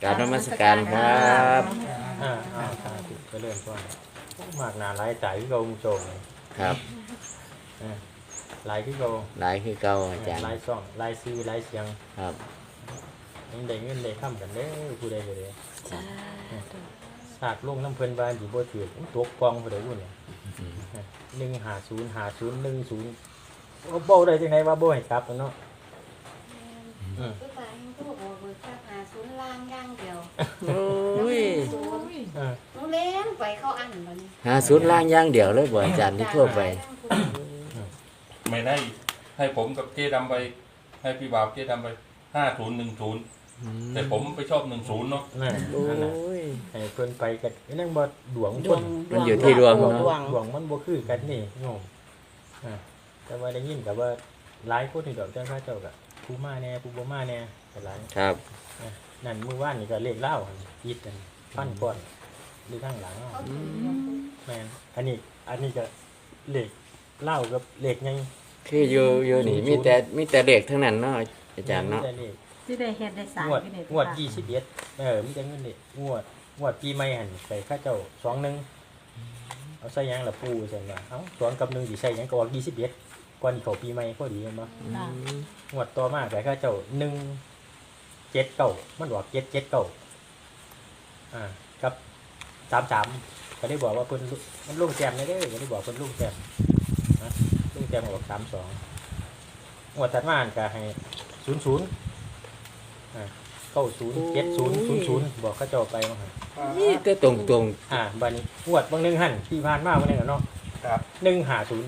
กรารนมัสการครับสาธุก็เริ่มต้นมากหนาหลายจ่ายที่เราโจมครับหลายที่เราหลายคือเก่าอาจารย์หลายซ่องหลายซื้อหลายเสียงครับยังได้เงินได้ข้ามกันเด้อผู้ใดก็ได้สากลงน้ำเพลินบานดีบ่ถือตกกองผู้ใดวุ่นเนี่ย1505010เบ้าได้จังไงว่าบ่ให้กลับเนาะคือว่าให้ผู้บอกเบิกค่าหาศูนย์ล่างอย่างเดียวโอ้ยศูนย์เออหนูเล่นไปเข้าอันบัดนี้หาศูนย์ล่างอย่างเดียวเลยบ่อาจารย์ที่ทั่วไปไม่ได้ให้ผมกับเจ๊ดำไปให้พี่บ่าวเจ๊ดำไป5010แต่ผมไปชอบ10เนาะนั่นโอ้นั่นน่ะยให้เพิ่นไปกันนั่งบ่ดวงดควงนมันอยู่ที่ดวงดเนาะวงดวงมันบ่คือกันนี่โยมแต่ว่าได้ยินกับว่าหลายคนนี่ดอกเจ้าข้าเจ้าก็ผู้มาแน่ผู้บ่มาแน่ก็หลายครับนั่นมื้อวานนี่ก็เลขเล่าอีดกันฟันก่อนหรือข้างหลังเขาถือแม่นอันนี้ก็เลขเล่ากับเลขไงคืออยู่นี่มีแต่เด็กทั้งนั้นเนาะอาจารย์เนาะมีแต่เลขที่ได้เฮ็ดได้สร้างงวดที่ได้งวด21มีแต่เงินนี่งวดปีใหม่หั่นใส่ข้าเจ้า21เอาใส่หยังล่ะปู่ซั่นว่าเอ้า2กับ1สิใส่หยังก็ออก21ก่อนเข้าปีใหม่พอดีแม่นบ่ค่ะงวดต่อมาแต่ข้าเจ้า179มันออก779ครับ33ก็ได้บอกว่าเพิ่นมันลงแต้มได้เด้อก็ได้บอกเพิ่นลงแต้มนะลงแต้มออก32งวดถัดมาก็ให้00907000บอกเขาเจ้าไปว่าหั่นนี่แต่ตรงบัดนี้งวดบางนึงหั่นที่ผ่านมาวันนึงเนาะครับ 150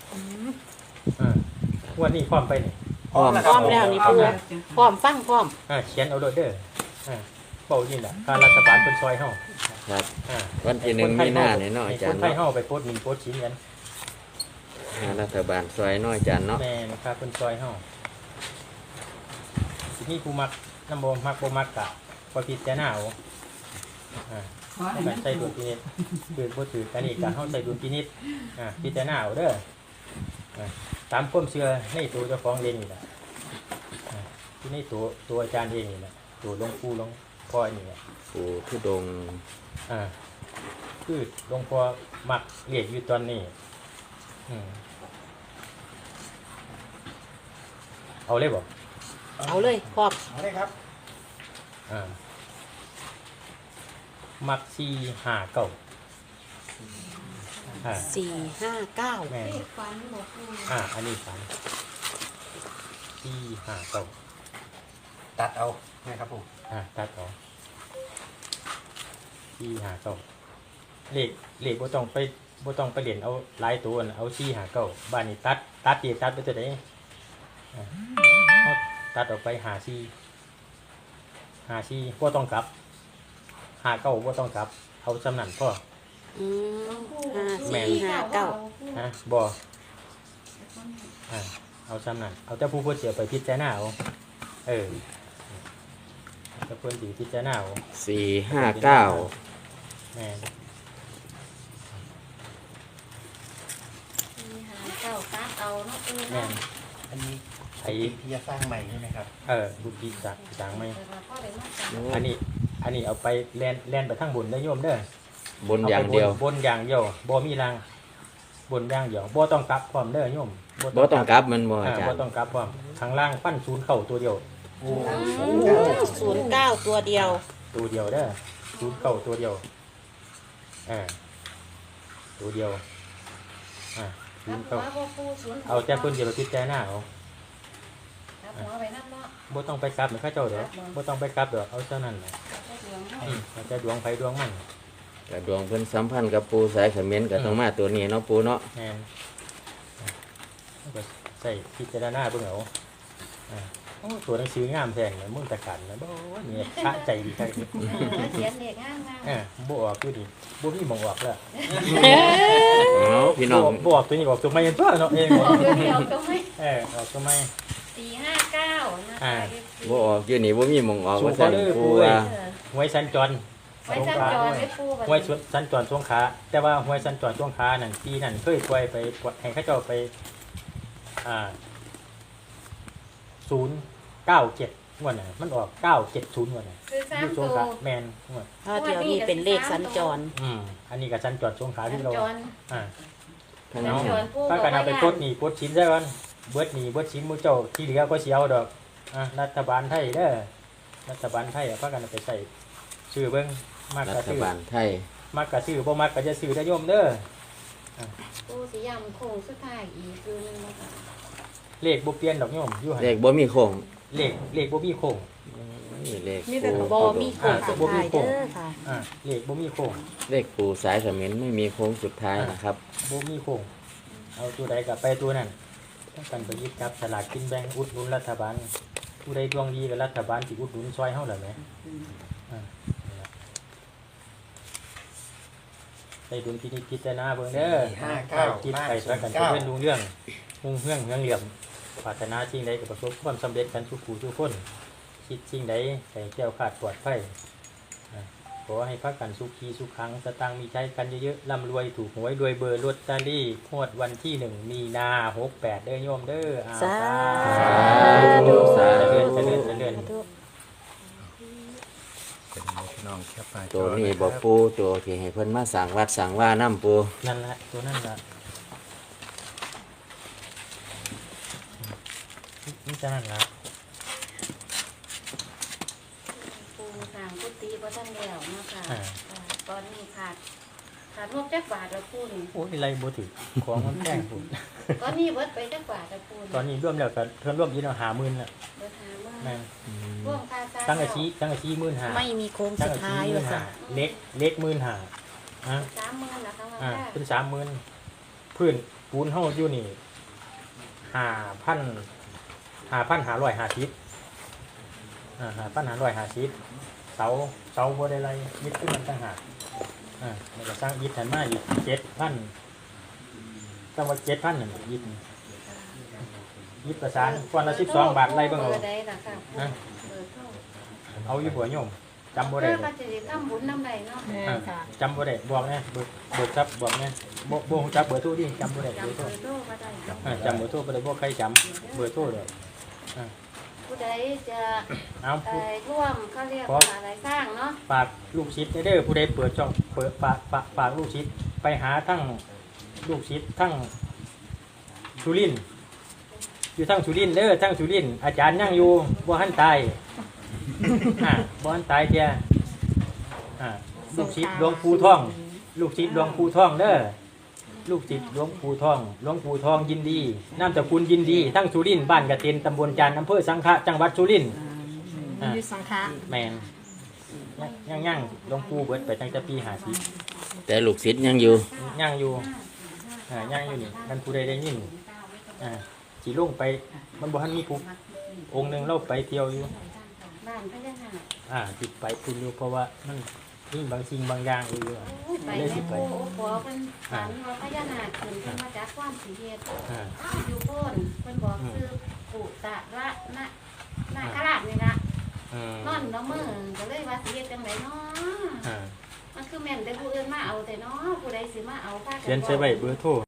งวดนี้พร้อมไปนี่ๆพร้อมพร้อมแล้วนี่เพิ่นว่าพร้อมฟังพร้อมเขียนเอาโดดเด้อเบานี่แหละการรัฐบาลเป็นซอยเฮาครับอ่าวันที่1มีนาเนี่ยเนาะอาจารย์ให้คนไทยเนาะเฮาไปโพสต์หมิ่นโพสต์ชิ้นกันรัฐบาลซอยเนาะอาจารย์เนาะแม่นครับเป็นซอยเฮาทีนี้ผู้มักน้ำบ่มักบ่มักกะพอพิจารณาเอาการใช้ดุลพินิจคือบ่ถือกันนี่การเฮาใช้ดุลพินิจพิจารณาเอาเด้อตามความเชื่อในตัวเจ้าของเองนี่แหละที่ในตัวอาจารย์เองนี่แหละตัวหลวงปู่หลวงพ่อนี่แหละปู่ทุดงค์คือหลวงพ่อมักเรียกอยู่ตอนนี้เอาเลยบอกเอาเลยพร้อมอะไรครับมัก459 459 แม่นเลขฟันบอกปูอันนี้ฝัน459 ตัดเอานะครับผมตัดออก459เลขบ่ต้องไปเรียนเอาหลายตัวน่ะเอา459บ้านนี้ตัดไปตัวใดเอาตัดออกไป54บ่ต้องกลับ59บ่ต้องกลับเอาสำนันพ่อ 5459 บ่เอาสำนันเอาแต่ผู้เพิ่นสิเอาไปพิจารณาเอาแต่เพิ่นสิพิจารณาเอา 459 แม่นเก้าตัดเอาเนาะปูแม่เนาะนอันนี้ไอ้ที่จะสร้างใหม่ใช่ไหมครับบุญดีสร้างไหมแต่ว่าพ่อได้มาจับอันนี้เอาไปแล่นไปทางบนได้อโยมเด้อบนอย่างเดียวบนอย่างเดียวบ่มีรางบนอย่างเดียวบ่ต้องกลับพร้อมเด้อโยมบ่ต้องกลับมันบ่อาจารบ่ย์ต้องกลับพร้อมข้างล่างปั้นศูนย์เข้าตัวเดียว 09ตัวเดียวตัวเดียวเด้อศูนย์เข้าตัวเดียวตัวเดียวศูรันบย์หัเข้าวบ่ปูศูนย์เอาแต่เพิ่นสิไปพิจารณาเอารับหัวไปนั่นเนาะบ่ต้องไปกลับเหมือนเขาเจ้าเด้อบ่ต้องไปกลับเด้อเอาเท่านั้นแหละก็ดวงเนาะมันจะดวงไผดวงมันกระดวงเพิ่นสัมพันธ์กับปู่สายเขมรก็ต้องมาตัวนี้เนาะปู่เนาะแม่นก็ใส่พิจารณาเบิ่งเอาโอ้ตัวหนังสืองามแท้เนี่ยมึงตะกันนะบ่เนี่ยพระใจดีคักเขียนเลขงามบ่ออกอยู่ดิบ่มีหม่องออกแล้วเอาพี่น้องบ่ออกตัวนี้ออกตัวใหม่ตัวเนาะเองๆบอกเดียวๆก็ไม่ออกตัวใหม่ 459นะคะบ่ออกอยู่นี่บ่มีหม่องออกสู้ว่าซั่นเขาเด้อปู่ปู่เอ้ยว่าหวยสัญจรไว้จันจอไว้ปูหวยสัญจรสงขลาแต่ว่าหวยสัญจรสงขลานั่นปีนั้นเคยปล่อยไปให้เขาเจ้าไป097 งวดน่ะมันออก970งวดน่ะคือสาอมยู่สตังวขลาแม่นงวดถ้าเดียวนี่เป็นเลขสัญจรอันนี้ก็สัญจรสงขลาสัที่ญเราจรอ่าท่านสัญเอาจรผู้ถ้ากันเอาไปกดหนี้กดชิ้นซะก่อนเบิดหนี้เบิดชิ้นหมู่เจ้าที่เหลือก็สิเอาดอกรัฐบาลไทยเด้อรัฐบาลไทยพากันเอาไปใส่ซื้อเบิ่งมากรัก็ฐซื้อบาลไทยมากก็ซื้อบ่มากก็จะซื้อได้โยมเด้อผู้สิยำโค้งสุดท้ายอีกคือนึงนะคะเลขบ่เปลี่ยนดอกโยมอยู่หั่นเลขบ่มีโค้งเลขบ่มีโค้งนี่เลขมีแต่ปูบอมีโค้งสุดท้ายเด้อค่ะเลขบ่มีโค้งเลขปูสายเขมิ้นไม่มีโค้งสุดท้ายนะครับบ่มีโค้งเอาตัวใดก็ไปตัวนั้นต้องกันไปหยิบจับสลากกินแบ่งอุดหนุนรัฐบาลผู้ใดดวงดีกับรัฐบาลสิอุดหนุนซอยเฮาล่ะแหมนี่ล่ะได้ดุลพินิจพิจารณาเบิ่งเด้อ คิดไปซะกันจะเป็นรู้เรื่องหุ่งเรื่องเหลี่ยมปรารถนาสิ่งใดก็ประสบความสำเร็จกันทุกผู้ทุกคนคิดสิ่งใดให้แก้วขาดปลอดภัยขอให้พักกันสุขีสุขขังสตางค์มีใช้กันเยอะๆร่ำรวยถูกหวยรวยเบอร์ลอตเตอรี่งวดวันที่1 มีนา68เด้อโยมเด้อสาธุสาธุเจริญพี่น้องแคปหน้าจตัวอนี้นะคบ่รับปูตัวที่ให้เพิ่นมาสั่งวัดสั่งว่าน้ำปูนั่นแหละตัวนั่นละนี่จะนั่นละปูสามกุฏิบ่ทันแล้วเนาะค่ะตอนนี้ขาดงบจักบาทละปูนี่โอ้ยไรบ่ถือของมันแพงพุ่นตอนนี้เบิดไปจักบาทละปูตอนนี้ร่วมแล้วก็เพิ่นร่วมอยินเอา50,000ละเบิดหามาแม่นร่วมค่าจ้างตั้งอาชี15,000 ไม่มีโค้งตั้สุงดอาชีท้ายเลยค่ะ 15,000เล็ก15,000 30,000นะคะว่าเป็น30,000พื้นปูนเฮาอยู่นี่5,550 5,550เสาบ่ได้ไรยึดขึ้นมันต่างหากแล้วก็สร้างยึดหันมาอีก7,000ตั้งว่า7,000นั่นยึดประสานก้อนละ12 บาทไรเบิ่งเอาเบอร์ใดล่ะค่ะปูเบอร์โทรเอาอยู่หัวโยมจำบ่เพื่ได้อก็จะได้ทำบุญนำใดเนาะจำบ่ได้บอกแน่เบิกทรัพย์บอกแน่บ่ฮู้จักเบอร์โทรดิจำบ่ได้เบอร์จำโทเบรอร์โทรบ่ได้ค่ะจำเบอร์โทรบ่ได้บ่ใครจำเบอร์โทรเลยผู้ใดจะเอาผู้ร่วมเขาเรียกว่าอะไรสร้างเนาะฝากลูกศิษย์เด้อผู้ใดเปิดช่องเปิดฝากลูกศิษย์ไปหาทั้งลูกศิษย์ทั้งสุรินทร์อยู่ทั้งสุรินทร์เด้อทั้งสุรินทร์อาจารย์ยังอยู่บ่ทันตายบ่ทันตายเจ้าลูกศิษย์หลวงปู่ทอง ลูกศิษย์หลวงปู่ทองเด้อลูกศิษย์หลวงปู่ทองหลวงปู่ทองยินดีนามสกุลยินดีทั้งสุรินทร์บ้านกระเต็นตำบลจานอำเภอสังขะจังหวัดสุรินทร์อยู่สังฆะแมนย่างหลวงปู่เบิดไปตั้งแต่ปี50 แต่ลูกศิษย์ยังอยู่ย่างอยู่ย่างอยู่นี่นั่นผู้ใดได้ยินสีลงไปมันบ่ทันมีผู้องค์หนึงเราไปเที่ยวอยู่บ้านพญานาคติดไปคุณอยู่เพราะว่ามันมีบางสิ่งบางอย่างอยู่ไปแม่ปูขอเป็นฝันว่าพญานาคขึ้นเป็นมาจากความสีเฮ็ดอยู่โพ้นเพิ่นบอกคือปุตะระนาคราชนี่ล่ะนอนน้ำมือก็เลยว่าสิเฮ็ดจังไดเนาะมันคือแม่นแต่ผู้อื่นมาเอาแต่เนาะผู้ใดสิมาเอาพากันเขียนใช้ใบเบอร์โทร